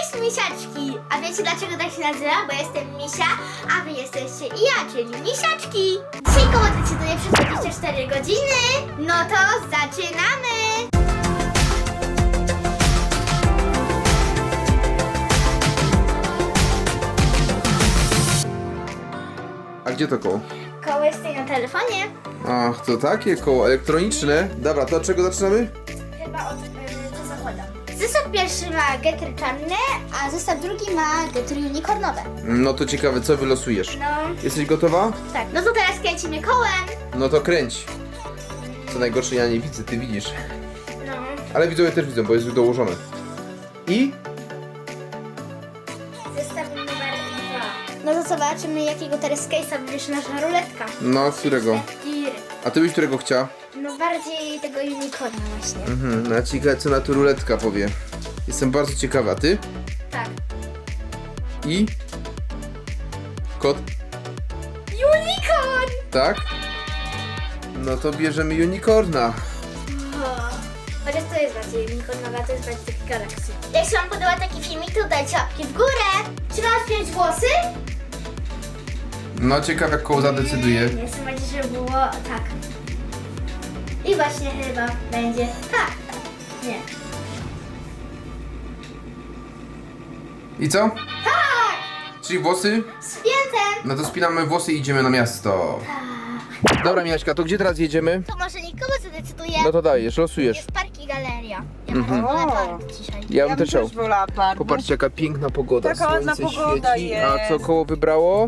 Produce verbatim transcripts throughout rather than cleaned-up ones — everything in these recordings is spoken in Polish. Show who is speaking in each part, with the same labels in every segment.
Speaker 1: Cześć misiaczki! A wiecie dlaczego tak się nazywa? Bo jestem misia, a wy jesteście i ja, czyli misiaczki! Dzisiaj koło decyduje przez dwadzieścia cztery godziny. No to zaczynamy!
Speaker 2: A gdzie to koło?
Speaker 1: Koło jest tutaj na telefonie.
Speaker 2: Ach, to takie koło elektroniczne. Dobra, to od czego zaczynamy?
Speaker 1: Chyba od yy, co zakładam. Zestaw pierwszy ma getry czarne, a zestaw drugi ma getry unicornowe.
Speaker 2: No to ciekawe, co wylosujesz.
Speaker 1: No,
Speaker 2: Jesteś gotowa?
Speaker 1: tak. No to teraz kręcimy kołem.
Speaker 2: No to kręć. Co najgorsze, ja nie widzę, ty widzisz.
Speaker 1: No.
Speaker 2: Ale widzowie też widzą, bo jest już dołożone. I?
Speaker 1: Zestaw numer dwa. No to zobaczymy, jakiego teraz case'a wybierze nasza ruletka.
Speaker 2: No, którego?
Speaker 1: Tiry.
Speaker 2: A ty byś którego chciała?
Speaker 1: No bardziej tego unicorna właśnie.
Speaker 2: Mhm, no ciekawe, co na to ruletka powie. Jestem bardzo ciekawa, a ty?
Speaker 1: Tak.
Speaker 2: I? Kot?
Speaker 1: Unicorn!
Speaker 2: Tak? No to bierzemy unicorna.
Speaker 1: Chociaż to jest bardziej unicornowa, to jest bardziej taki galaksy. Jak się wam podoba taki filmik, to dajcie łapki w górę. Czy mam spiąć włosy?
Speaker 2: No ciekawe, jak koło zadecyduje.
Speaker 1: Nie, chcę bardziej, żeby było tak. I właśnie chyba będzie tak. Nie.
Speaker 2: I co?
Speaker 1: Tak!
Speaker 2: Czyli włosy?
Speaker 1: Spięte!
Speaker 2: No to spinamy włosy i idziemy na miasto. Dobra, Michaśka, to gdzie teraz jedziemy?
Speaker 1: To może nikogo zadecyduje.
Speaker 2: No to dajesz, losujesz.
Speaker 1: Jest park i galeria. Ja
Speaker 2: Mhm.
Speaker 1: wolę park dzisiaj.
Speaker 2: Ja bym
Speaker 3: Ja
Speaker 2: też chciał.
Speaker 3: też wolała park.
Speaker 2: Popatrzcie, jaka piękna pogoda.
Speaker 3: Taka ładna
Speaker 2: Słońce
Speaker 3: pogoda
Speaker 2: świeci.
Speaker 3: jest.
Speaker 2: A co koło wybrało?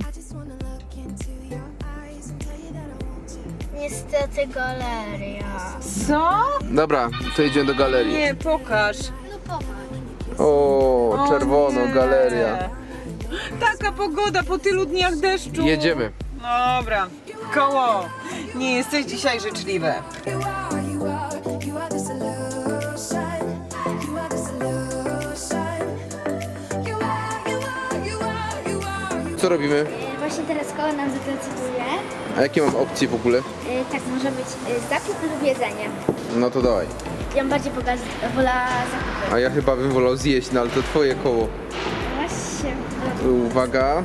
Speaker 1: Niestety galeria.
Speaker 3: Co?
Speaker 2: Dobra, to idziemy do galerii.
Speaker 3: Nie, pokaż.
Speaker 1: No popatrz.
Speaker 2: O,
Speaker 3: O
Speaker 2: czerwono,
Speaker 3: nie.
Speaker 2: galeria.
Speaker 3: Taka pogoda po tylu dniach deszczu.
Speaker 2: Jedziemy.
Speaker 3: Dobra. Koło. Nie jesteś dzisiaj życzliwe.
Speaker 4: You are, you are, you are the solution. You are the solution. You are, you are, you are, you are, you
Speaker 2: Co robimy?
Speaker 1: E, Właśnie teraz koło nam zadecyduje.
Speaker 2: A jakie mam opcje w ogóle?
Speaker 1: E, tak może być e, zakup lub jedzenie.
Speaker 2: No to dawaj.
Speaker 1: Ja bym bardziej pokaz- wolała zakupy.
Speaker 2: A ja chyba bym wolał zjeść, no ale to twoje koło.
Speaker 1: Właśnie.
Speaker 2: Uwaga.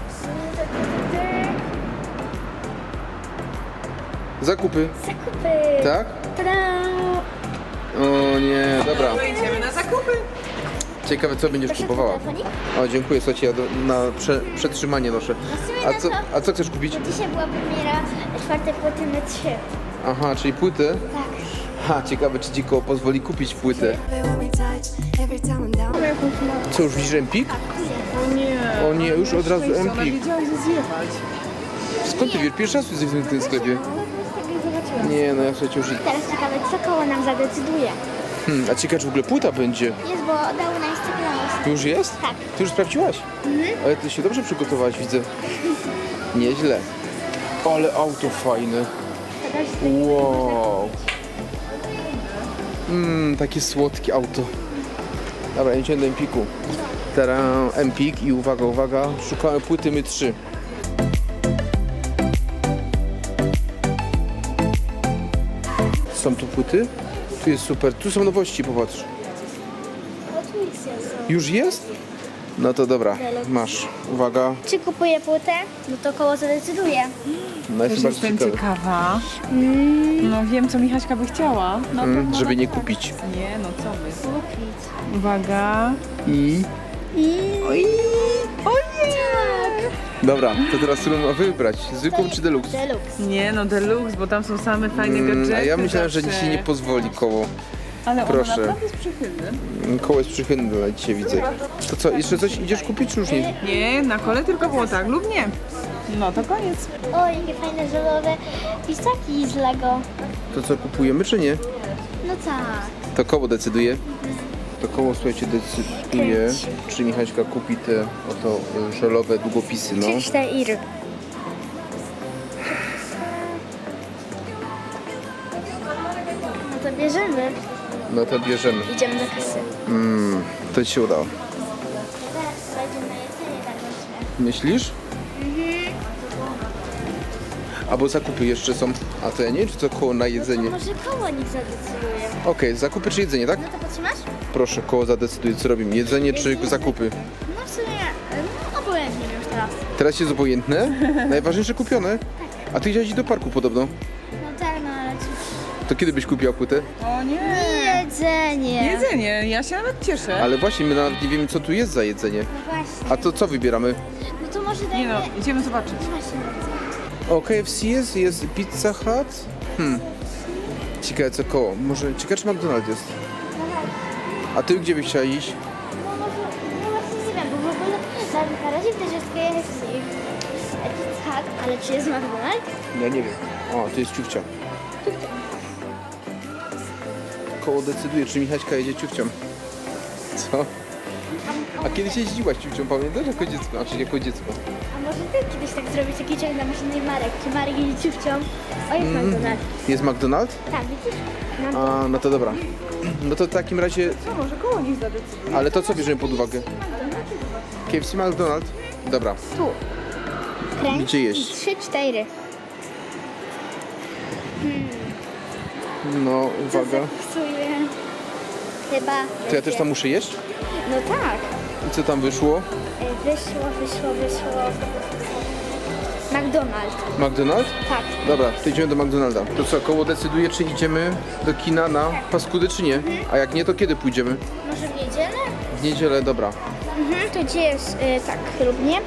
Speaker 2: Zakupy.
Speaker 1: Zakupy.
Speaker 2: Tak?
Speaker 1: Tada!
Speaker 2: O nie, dobra.
Speaker 3: To idziemy na zakupy.
Speaker 2: Ciekawe, co będziesz
Speaker 1: Proszę
Speaker 2: kupowała.
Speaker 1: telefonik.
Speaker 2: O, dziękuję, słuchajcie, ja do, na prze, przetrzymanie noszę. A co, a co chcesz kupić?
Speaker 1: Dzisiaj była premiera czwartej płyty My trzy.
Speaker 2: Aha, czyli płytę?
Speaker 1: Tak.
Speaker 2: Ha, ciekawe, czy ci koło pozwoli kupić płytę.
Speaker 4: love it when we touch. Every time I'm down.
Speaker 2: Co, już widzisz Empik?
Speaker 3: O nie.
Speaker 2: O nie, już od razu
Speaker 3: Ona
Speaker 2: Empik.
Speaker 3: wiedziała, że zjechać.
Speaker 2: Skąd ty wiesz? Pierwszy raz jesteś w tym sklepie. Nie, no ja słuchajcie już...
Speaker 1: Teraz ciekawe, co koło nam zadecyduje.
Speaker 2: Hmm, a ciekawe, czy w ogóle płyta będzie?
Speaker 1: Jest, bo dało na Instagramie.
Speaker 2: Tu już jest?
Speaker 1: Tak.
Speaker 2: Ty już sprawdziłaś? Ale ty się dobrze przygotowałaś, widzę. Nieźle. Ale auto fajne. Wow. Mmm, takie słodkie auto. Dobra, idziemy do Empiku. Teraz Empik i uwaga, uwaga, szukamy płyty My trzy. Są tu płyty? Tu jest super. Tu są nowości, popatrz. Już jest? No to dobra, masz. Uwaga.
Speaker 1: Czy kupuję płytę? No to koło zadecyduje.
Speaker 2: No
Speaker 3: Też
Speaker 2: jestem bardzo
Speaker 3: jestem
Speaker 2: ciekawy.
Speaker 3: ciekawa. No wiem, co Michaśka by chciała. No to
Speaker 2: Mm,
Speaker 3: może
Speaker 2: żeby nie
Speaker 3: tak.
Speaker 2: kupić.
Speaker 3: Nie, no co wy.
Speaker 1: Kupić.
Speaker 3: Uwaga.
Speaker 2: I...
Speaker 1: I...
Speaker 3: Oj. Ojej.
Speaker 2: Dobra, to teraz którą ma wybrać? Zwykłą czy deluxe?
Speaker 1: Deluxe.
Speaker 3: Nie, no deluxe, bo tam są same fajne
Speaker 2: Mm,
Speaker 3: gadżety.
Speaker 2: a ja myślałem, że
Speaker 3: zawsze.
Speaker 2: dzisiaj nie pozwoli koło.
Speaker 3: Ale
Speaker 2: Proszę.
Speaker 3: on naprawdę jest przychylny.
Speaker 2: Mm, Koło jest przychylne, ale dzisiaj widzę. To co, jeszcze coś idziesz kupić, czy już nie?
Speaker 3: Nie, na kole tylko było tak lub nie. No to koniec.
Speaker 1: O, jakie fajne żelowe pisaki z Lego.
Speaker 2: To co, kupujemy, czy nie?
Speaker 1: No tak.
Speaker 2: To koło decyduje. To koło, słuchajcie, decyduje, czy Michaśka kupi te oto y, żelowe długopisy, no.
Speaker 1: cztery. No to bierzemy.
Speaker 2: No to bierzemy.
Speaker 1: Idziemy do kasy.
Speaker 2: Mm, to ci się udało.
Speaker 1: Teraz będziemy na jedzenie darmoczne.
Speaker 2: Myślisz? Albo zakupy jeszcze są. A to ja nie wiem, czy to koło na jedzenie.
Speaker 1: Może koło niech zadecyduje.
Speaker 2: Okej, zakupy czy jedzenie, tak?
Speaker 1: No to potrzymasz?
Speaker 2: Proszę, koło zadecyduje, co robimy. Jedzenie czy zakupy?
Speaker 1: No w sumie, no obojętnie już teraz.
Speaker 2: Teraz jest obojętne? Najważniejsze kupione? A ty chciałeś iść do parku podobno.
Speaker 1: No tak, no ale cóż.
Speaker 2: To kiedy byś kupiła płytę?
Speaker 3: O nie!
Speaker 1: Jedzenie.
Speaker 3: Jedzenie, ja się nawet cieszę.
Speaker 2: Ale właśnie, my nawet nie wiemy, co tu jest za jedzenie.
Speaker 1: No właśnie.
Speaker 2: A to co wybieramy?
Speaker 1: No to może
Speaker 3: Nie
Speaker 1: dajmy...
Speaker 3: no, idziemy zobaczyć.
Speaker 1: Właśnie.
Speaker 2: O, K F C jest, jest Pizza Hut. Hmm. Ciekawe co koło. Może, ciekawe czy McDonald's jest. A ty gdzie byś chciała iść?
Speaker 1: No może, no właśnie nie wiem, bo w ogóle na, na razie też jest K F C. Pizza Hut, ale czy jest McDonald's?
Speaker 2: Ja nie wiem. O, to jest ciufcia. Koło decyduje, czy Michaśka jedzie ciufcią. Co? A kiedyś jeździłaś ciufcią, pamiętasz? Jako dziecko, znaczy jako dziecko.
Speaker 1: A może ty kiedyś tak zrobić taki ciąg na maszynie Marek? Czy Marek jedzie ciuchcią? O, jest McDonald's.
Speaker 2: Jest McDonald's?
Speaker 1: Tak, widzisz? Mam
Speaker 2: A, no to dobra. No to w takim razie,
Speaker 3: Co, może koło nich zadecyduje?
Speaker 2: ale to co bierzemy pod uwagę? K F C, McDonald's? Dobra.
Speaker 1: tu. Kręć
Speaker 2: Gdzie jeść?
Speaker 1: i trzy, cztery.
Speaker 2: No,
Speaker 1: Co
Speaker 2: uwaga.
Speaker 1: zapisuje? Chyba...
Speaker 2: To ja też tam muszę jeść?
Speaker 1: No tak.
Speaker 2: I co tam wyszło?
Speaker 1: E, Wyszło, wyszło, wyszło. McDonald's.
Speaker 2: McDonald's?
Speaker 1: Tak.
Speaker 2: Dobra, to idziemy do McDonalda. To co, koło decyduje, czy idziemy do kina na paskudy, czy nie? A jak nie, to kiedy pójdziemy?
Speaker 1: Może w niedzielę?
Speaker 2: W niedzielę, dobra.
Speaker 1: Mhm, to gdzie jest, y, tak, lub nie. Y,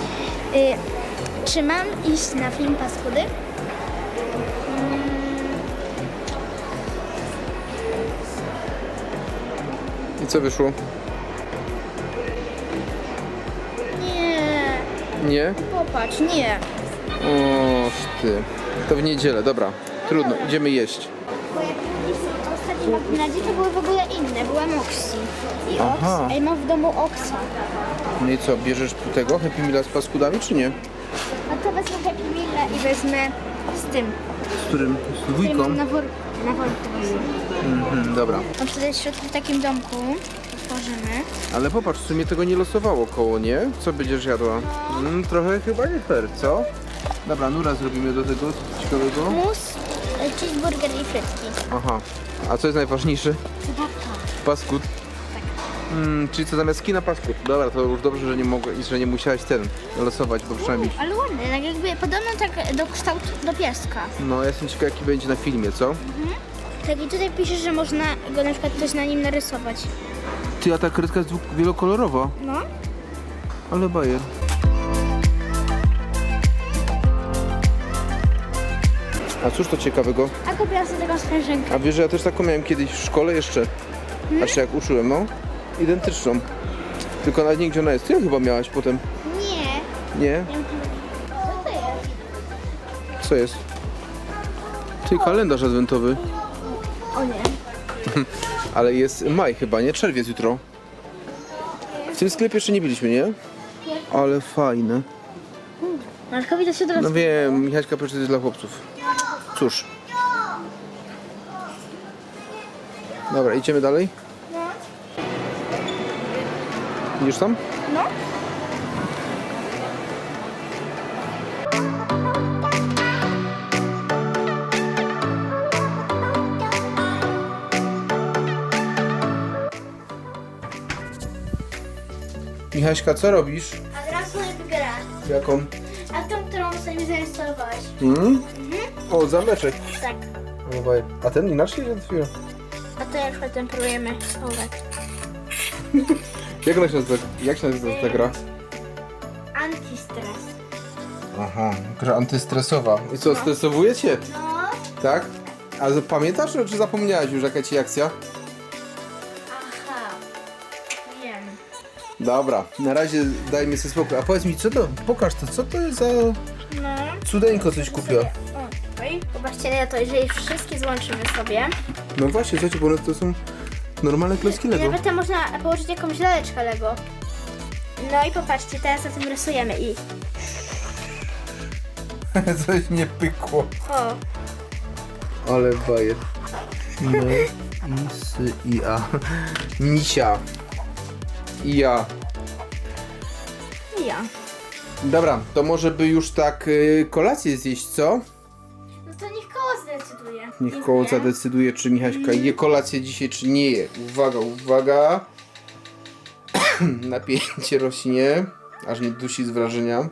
Speaker 1: czy mam iść na film Paskudy?
Speaker 2: I co wyszło?
Speaker 1: Nie,
Speaker 2: Nie?
Speaker 1: popatrz, nie.
Speaker 2: O, ty. To w niedzielę, dobra. Trudno, idziemy jeść.
Speaker 1: Bo jak w ostatnim McDonaldzie to były w ogóle inne, była Moxie. I
Speaker 2: Aha.
Speaker 1: Ox, a ja mam w domu Oxa.
Speaker 2: No i co, bierzesz tego Happy Meala z paskudami, czy nie?
Speaker 1: No to wezmę Happy Meal i wezmę z tym,
Speaker 2: Z którym? Z
Speaker 1: który
Speaker 2: dwójką?
Speaker 1: mam na worku. Na worku.
Speaker 2: Mhm, dobra.
Speaker 1: Mam tutaj w środku w takim domku. Otworzymy.
Speaker 2: Ale popatrz, w sumie tego nie losowało koło, nie? Co będziesz jadła? Mm, trochę chyba nie fair, co? Dobra, nura zrobimy do tego, co ciekawego.
Speaker 1: Mus, y, cheeseburger i frytki.
Speaker 2: Aha. A co jest najważniejsze?
Speaker 1: Zabawka.
Speaker 2: Paskud? Mm, czyli co zamiast kina paskud? Dobra, to już dobrze, że nie mogę, że nie musiałaś ten losować, bo przynajmniej...
Speaker 1: Ale ładny, tak jakby podobno tak do kształtu do pieska.
Speaker 2: No, ja jestem ciekaw, jaki będzie na filmie, co?
Speaker 1: Tak i tutaj pisze, że można go na przykład coś na nim narysować.
Speaker 2: Ty, a ta kredka jest dwu- wielokolorowa.
Speaker 1: No.
Speaker 2: Ale bajer. A cóż to ciekawego?
Speaker 1: A kupiłam sobie taką sprężynkę.
Speaker 2: A wiesz, że ja też taką miałem kiedyś w szkole jeszcze. Znaczy jak uczyłem, no. Identyczną. Tylko nawet nie gdzie ona jest. Ty ją chyba miałaś potem.
Speaker 1: Nie.
Speaker 2: Nie?
Speaker 1: Co to jest?
Speaker 2: Co jest? Ty, kalendarz adwentowy.
Speaker 1: O nie.
Speaker 2: Ale jest maj chyba, nie? Czerwiec jutro. W tym sklepie jeszcze nie byliśmy, nie? Ale fajne.
Speaker 1: Markowi to się teraz...
Speaker 2: No wiem, Michaśka proszę, to jest dla chłopców. Cóż. Dobra, idziemy dalej?
Speaker 1: No.
Speaker 2: Idziesz tam?
Speaker 1: No.
Speaker 2: Michaśka, co robisz?
Speaker 1: A teraz sobie grę.
Speaker 2: Jaką?
Speaker 1: A tą, którą sobie zainstalowałeś.
Speaker 2: Hmm? O, zameczek.
Speaker 1: Tak.
Speaker 2: O, bajer. A ten inaczej się otwiera?
Speaker 1: A to na przykład temperujemy ołówek.
Speaker 2: Jak ona się nazywa? Jak się nazywa ta gra?
Speaker 1: Antistres.
Speaker 2: Aha, gra antystresowa. I co, stresowuje cię?
Speaker 1: No.
Speaker 2: Tak? A za- pamiętasz, czy zapomniałaś już jaka ci akcja?
Speaker 1: Aha. Wiem.
Speaker 2: Dobra, na razie daj mi sobie spokój. A powiedz mi, co to? Pokaż to, co to jest za
Speaker 1: No.
Speaker 2: cudeńko coś kupiła?
Speaker 1: O, tutaj. Popatrzcie na to, jeżeli wszystkie złączymy sobie.
Speaker 2: No właśnie, słuchajcie, bo one to są normalne klocki
Speaker 1: I
Speaker 2: Lego.
Speaker 1: nawet tam można położyć jakąś laleczkę Lego. No i popatrzcie, teraz na tym rysujemy i...
Speaker 2: Coś nie pykło.
Speaker 1: O,
Speaker 2: Ale bajer. No, i, s, i, a. Misia. I ja.
Speaker 1: i ja.
Speaker 2: Dobra, to może by już tak y, kolację zjeść, co?
Speaker 1: No to niech koło zdecyduje.
Speaker 2: Niech koło zadecyduje, czy Michaśka je kolację dzisiaj, czy nie je. Uwaga, uwaga. Napięcie rośnie, aż mnie dusi z wrażenia.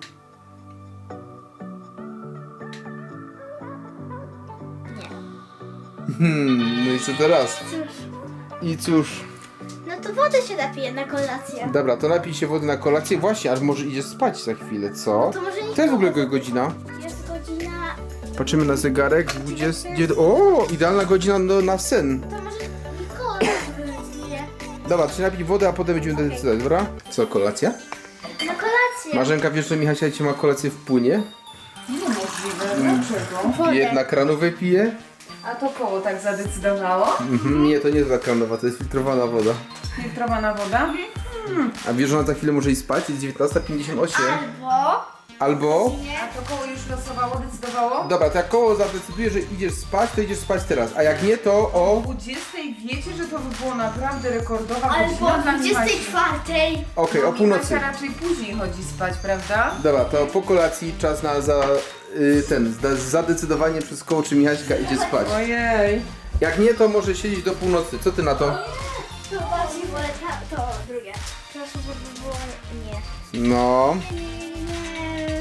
Speaker 1: Nie.
Speaker 2: Hmm, no i co teraz?
Speaker 1: Cóż,
Speaker 2: I cóż,
Speaker 1: no to wodę się napije na kolację.
Speaker 2: dobra, to napij się wody na kolację. Właśnie, aż może idziesz spać za chwilę, co?
Speaker 1: To może nie
Speaker 2: To jest w ogóle go- godzina.
Speaker 1: Jest godzina...
Speaker 2: Patrzymy na zegarek, dwudziesta. O, idealna godzina do, na sen.
Speaker 1: To może Mikołaj decyduje.
Speaker 2: Dobra, to się napij wodę, a potem będziemy decydować, dobra? Co, kolacja?
Speaker 1: Na kolację.
Speaker 2: Marzenka, wiesz, że Michasia dzisiaj ma kolację w płynie?
Speaker 3: Niemożliwe, dlaczego?
Speaker 1: Wodę.
Speaker 2: Jedna kranowe pije?
Speaker 3: A to koło tak zadecydowało?
Speaker 2: Mhm, nie, to nie jest kranowa, to jest filtrowana woda.
Speaker 3: Filtrowana woda?
Speaker 2: A wiesz, że ona za chwilę może iść spać? Jest dziewiętnasta pięćdziesiąt osiem.
Speaker 1: Albo...
Speaker 2: Albo...
Speaker 3: A to koło już losowało, decydowało?
Speaker 2: Dobra, to jak koło zadecyduje, że idziesz spać, to idziesz spać teraz. A jak nie, to o...
Speaker 3: dwudziestej wiecie, że to by było naprawdę rekordowa
Speaker 1: Albo
Speaker 3: godzina
Speaker 1: o
Speaker 3: dla
Speaker 1: dwudziestej
Speaker 3: Michaśki.
Speaker 1: czwartej.
Speaker 2: Okej, o północy.
Speaker 3: Michasia raczej później chodzi spać, prawda?
Speaker 2: Dobra, to po kolacji czas na za... Y, ten, za- zadecydowanie przez koło, czy Michaśka idzie spać.
Speaker 3: Ojej.
Speaker 2: Jak nie, to może siedzieć do północy. Co ty na to?
Speaker 1: To bardziej wolę ta, to drugie. Proszę, żeby było nie.
Speaker 2: No...
Speaker 1: Nie, nie, nie.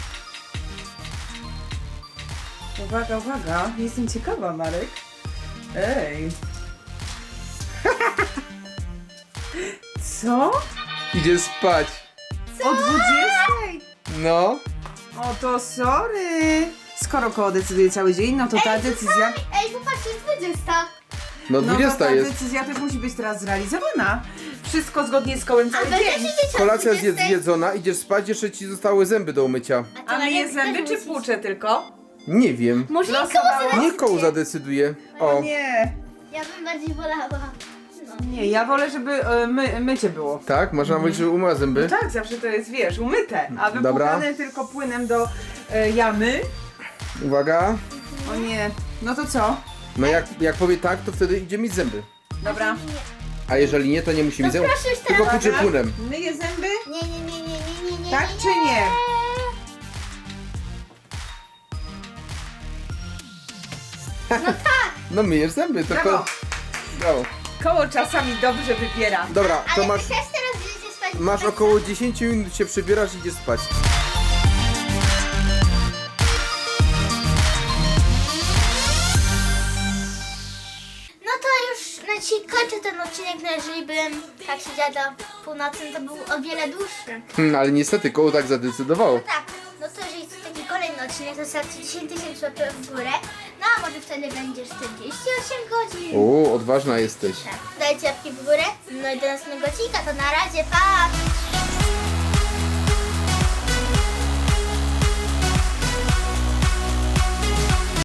Speaker 3: Uwaga, uwaga. Jestem ciekawa, Marek. Ej. Co?
Speaker 2: Idzie spać.
Speaker 3: O dwudziestej?
Speaker 2: No.
Speaker 3: O to sorry. Skoro koło decyduje cały dzień, no to ta decyzja...
Speaker 1: Ej, popatrzcie, jest dwudziesta.
Speaker 2: No
Speaker 3: No to
Speaker 2: dwudziesta
Speaker 3: ta
Speaker 2: jest.
Speaker 3: decyzja też musi być teraz zrealizowana. Wszystko zgodnie z kołem
Speaker 1: A
Speaker 3: cały
Speaker 1: wy też
Speaker 3: dzień.
Speaker 1: idziecie o
Speaker 2: Kolacja jest
Speaker 1: dwudziestej?
Speaker 2: zjedzona, idziesz spać, jeszcze ci zostały zęby do umycia.
Speaker 1: ty,
Speaker 3: A myje
Speaker 1: Marianka,
Speaker 3: zęby
Speaker 1: też
Speaker 3: czy
Speaker 1: musisz.
Speaker 3: płucze tylko?
Speaker 2: Nie wiem.
Speaker 1: Może nie koło
Speaker 3: Losowało.
Speaker 1: zadecyduje.
Speaker 2: Niech koło zadecyduje. O.
Speaker 3: Nie.
Speaker 1: Ja bym bardziej wolała. No.
Speaker 3: Nie, ja wolę, żeby e, my, mycie było.
Speaker 2: Tak? Masz na myśli, że umyła zęby?
Speaker 3: Tak, zawsze to jest, wiesz, umyte, a
Speaker 2: Dobra.
Speaker 3: wypłukane tylko płynem do e, jamy.
Speaker 2: Uwaga.
Speaker 3: O nie, no to co?
Speaker 2: No jak, jak powie tak, to wtedy idzie mieć zęby.
Speaker 3: Dobra.
Speaker 2: A jeżeli nie, to nie musi
Speaker 1: No
Speaker 2: mieć zębów.
Speaker 1: proszę już
Speaker 2: Tylko
Speaker 1: teraz.
Speaker 2: płucze płynem.
Speaker 3: Myję zęby?
Speaker 1: Nie, nie, nie, nie, nie, nie, nie.
Speaker 3: Tak
Speaker 1: nie,
Speaker 3: czy nie?
Speaker 2: No myjesz zęby, to
Speaker 3: Brawo.
Speaker 2: ko... Brawo.
Speaker 3: Koło czasami dobrze wybiera.
Speaker 2: Dobra, to
Speaker 1: Ale
Speaker 2: masz,
Speaker 1: wy też teraz idziecie spać.
Speaker 2: masz około dziesięć minut, się przebierasz i idziesz spać.
Speaker 1: No to już na dzisiaj kończę ten odcinek, no jeżeli bym tak siedziała do północy, no to był o wiele dłuższy.
Speaker 2: Hmm, ale niestety koło tak zadecydowało.
Speaker 1: Tak, no to jeżeli jest taki kolejny odcinek, to zostawcie dziesięć tysięcy łapek w górę. No a może wtedy będzie czterdzieści osiem godzin.
Speaker 2: O, odważna jesteś.
Speaker 1: Tak, dajcie łapki w górę. No i do następnego odcinka, to na razie, pa!